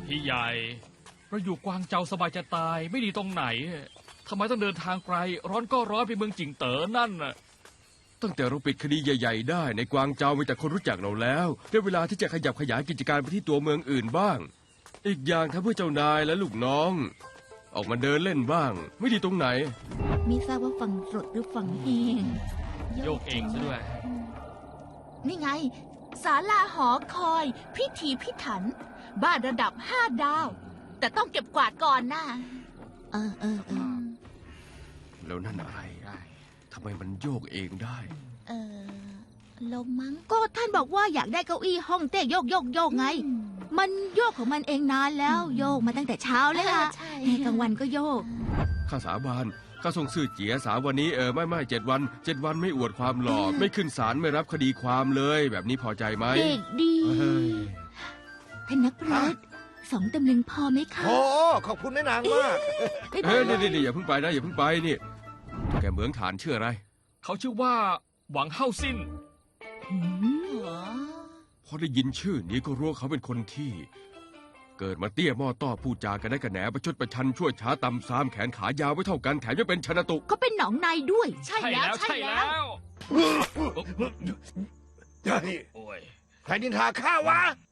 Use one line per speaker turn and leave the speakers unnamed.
พี่ใหญ่เราอยู่กวางเจาสบายจะตายไม่ดีตรงไหนทำไมต้องเดินทางไกลร้อนก็ร้อนไปเมืองจิงเต๋อนั่นน่ะ
ตั้งแต่เราปิดคดีใหญ่ๆได้ในกวางเจามีแต่คนรู้จักเราแล้วได้เวลาที่จะขยับขยายกิจการไปที่ตัวเมืองอื่นบ้างอีกอย่างถ้าเพื่อเจ้านายและลูกน้อง ออกมาเดินเล่นบ้างไม่ดีตรงไหน
ไม่ทราบว่าฝั่งสดหรือฝั่งเอง
โยกเองซะด้วย
นี่ไงศาลาหอคอยพิถีพิถันบ้านระดับ5 ดาว แต่ต้องเก็บกวาดก่อนนะ
เออ
แล้วนั่นอะไรทำไมมันโยกเองได้
ลมมั้ง
ก็ท่านบอกว่าอยากได้เก้าอี้ห้องเต้โยกไงมันโยกของมันเองนานแล้วโยกมาตั้งแต่เช้าเลยล่ะกลางวันก็โยก
ข้าสาบานข้าส่งซื่อเจี๋ยสาวันนี้ไม่7 วันไม่อวดความหล่อไม่ขึ้นศาลไม่รับคดีความเลยแบบนี้พอใจไหม
เด็กดีท่านนักปราชญ์2 ตำลึงพอไหมคะ
โอ้ขอบคุณแม่นางมาก
นี่อย่าเพิ่งไปนะอย่าเพิ่งไปนี่แกเหมืองฐานชื่ออะไร
เขาชื่อว่าหวังเฮาซิน
พอได้ยินชื่อนี้ก็รู้เขาเป็นคนที่เกิดมาเตี้ยหม้อต้อพูดจากันได้กระแหนประชดประชันชั่วช้าตำซามแขนขายาวไม่เท่ากันแถมยังเป็นชนะตุ
เขาเป็นหนองในด้วย
ใช่แล้ว
ใครนินทาข้าวะ